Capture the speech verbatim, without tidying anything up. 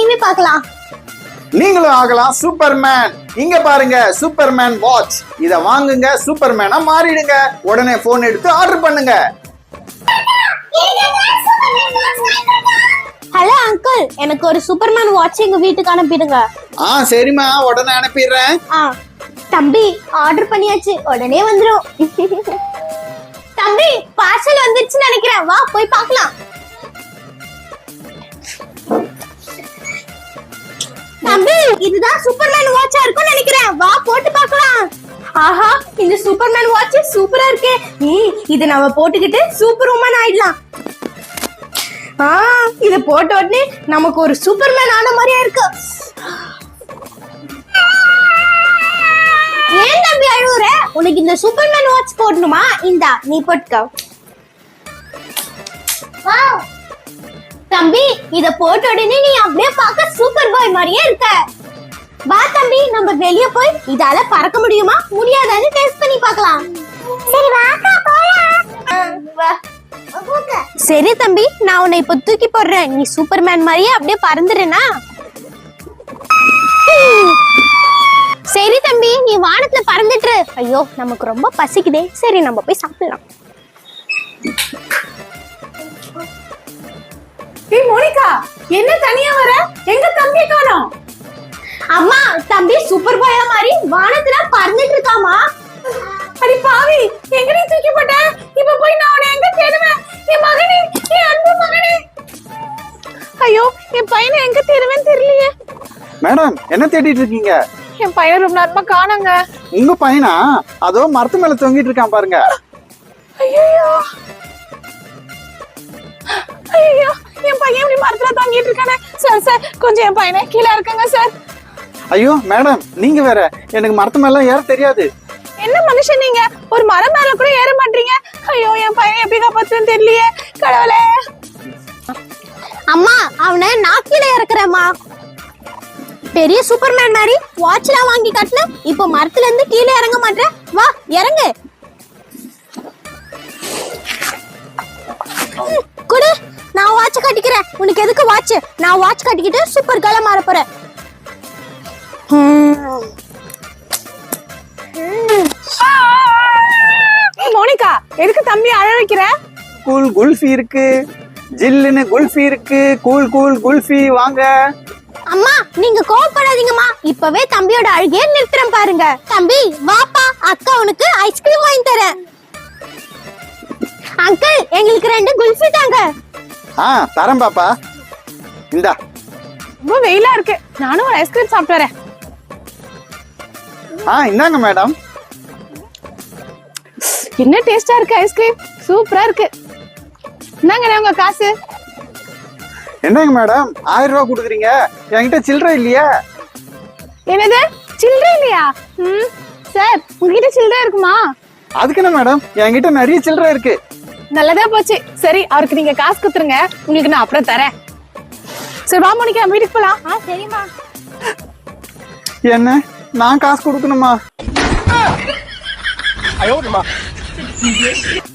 TV பார்க்கலாம். நீங்களும் ஆகலாம் சூப்பர்மேன். இங்க பாருங்க சூப்பர்மேன் வாட்ச். இத வாங்குங்க, சூப்பர்மேனா மாறிடுங்க. உடனே போன் எடுத்து ஆர்டர் பண்ணுங்க. ஹலோ அங்கிள், எனக்கு ஒரு சூப்பர்மேன் வாட்ச் எங்க வீட்டுக்கு அனுப்பிடுங்க. ஆ சரிம்மா, உடனே அனுப்பிடுறேன். ஆ தம்பி, ஆர்டர் பண்ணியாச்சு, உடனே வந்துரும். தம்பி, பார்சல் வந்துருச்சுன்னு நினைக்கிறேன், வா போய் பார்க்கலாம். தம்பி, இதுதான் சூப்பர்மேன் வாட்சா இருக்கும்னு நினைக்கிறேன், வா போட்டு பார்க்கலாம். ஆஹா, இந்த சூப்பர்மேன் வாட்ச் சூப்பரா இருக்கே. இது நம்ம போட்டுக்கிட்டு சூப்பர் உமன் ஆயிடலாம். ஆ, இத போட்ட உடனே நமக்கு ஒரு சூப்பர்மேன் ஆன மாதிரியா இருக்கு. ஏன் தம்பி அழுவுற? உனக்கு இந்த சூப்பர்மேன் வாட்ச் போடணுமா? இந்தா நீ போட்டுக்கோ. வாவ் தம்பி, இத போட்ட உடனே நீ அப்படியே பார்க்க சூப்பர் பாய் மாதிரியே இருக்க. வா தம்பி, நம்ம வெளிய போய் இதால பறக்க முடியுமா முடியாதான்னு டெஸ்ட் பண்ணி பார்க்கலாம். சரி வாக்கா போலாம். வா. சரி தம்பி, நான் உன்னை இப்ப தூக்கி போடுறேன். நீ சூப்பர்மேன் மாதிரியே அப்படியே பறந்துடுனா? சரி தம்பி, நீ வானத்துல பறந்துட்டு. ஐயோ, நமக்கு ரொம்ப பசிக்குதே. சரி, நம்ம போய் சாப்பிடலாம். ஏய் மோனிகா, என்ன தனியா வர? எங்க தம்பி காணோம்? அம்மா, தம்பி சூப்பர் பாயா மாதிரி வானத்துல பறந்துட்டு இருக்காமா. அடி பாவி, எங்க நீ தூக்கி போட்ட? இப்ப போய் நான் உன்னை எங்க தேடுவேன்? என் மகனே, என் அன்பு மகனே. ஐயோ, என் பையனை எங்க தேடுவேன்னு தெரியலையே. மேடம், என்ன தேடிட்டு இருக்கீங்க? என் பையன் ரொம்ப நேரமா காணோங்க. உங்க பையனா? அதோ மரத்து மேல தொங்கிட்டு இருக்கான் பாருங்க. ஐயோ ஐயோ, என் பையன் இப்படி மரத்துல தொங்கிட்டு இருக்கானே. சார் சார், கொஞ்சம் என் பையனை கீழே இருக்குங்க சார். ஐயோ மேடம், நீங்க வேற, எனக்கு மரத்து மேல ஏற தெரியாது. என்ன மனுஷன் நீங்க? ஒரு மரம் மேல கூட ஏற மாட்டீங்க. ஐயோ, என் பையனை எப்படி காப்பாத்துன்னு தெரியலையே. கடவுளே. அம்மா, அவனை நாக்கில இறக்குறேம்மா. பெரிய சூப்பர்மேன் மாதிரி வாட்ச்லாம் வாங்கி காட்டுன, இப்போ மரத்துல இருந்து கீழே இறங்க மாட்டேன். வா இறங்கு. குடு, நான் வாட்ச் கட்டிக்கிறேன். உனக்கு எதுக்கு வாட்ச்? நான் வாட்ச் கட்டிக்கிட்டு சூப்பர் கேர்ளா மாற போறேன். மோனிகா, எதுக்கு தம்பி அழ வைக்கிற? கூல் குல்ஃபி இருக்கு, ஜில்லுன்னு குல்ஃபி இருக்கு. கூல் கூல் குல்ஃபி வாங்க. அம்மா, நீங்க கோவப்படாதீங்கம்மா. இப்பவே தம்பியோட அழுகைய நிறுத்துறேன் பாருங்க. தம்பி வாப்பா, அக்கா உனக்கு ஐஸ்கிரீம் வாங்கி தரேன். அங்கிள், எங்களுக்கு ரெண்டு குல்ஃபி தாங்க. ஆ தரேன் பாப்பா, இந்தா. ரொம்ப வெயிலா இருக்கு, நானும் ஒரு ஐஸ்கிரீம் சாப்பிட்டு வரேன். ஆ இந்தாங்க மேடம். என்ன டேஸ்டா இருக்கு ஐஸ்கிரீம், சூப்பரா இருக்கு. இந்தாங்க உங்க காசு. என்னங்க மேடம், ஆயிரம் ரூபாய் கொடுக்குறீங்க, என்கிட்ட சில்லறை இல்லையா? என்னது, சில்லறை இல்லையா? ம் சார், உங்ககிட்ட சில்லறை இருக்குமா? அதுக்கு என்ன மேடம், என்கிட்ட நிறைய சில்லறை இருக்கு. நல்லதா போச்சு. சரி, அவருக்கு நீங்க காசு குத்துருங்க, உங்களுக்கு நான் அப்புறம் தரேன். சரி வா மோனிகா, வீட்டுக்கு போலாம். ஆ சரிம்மா. என்ன, நான் காசு கொடுக்கணுமா?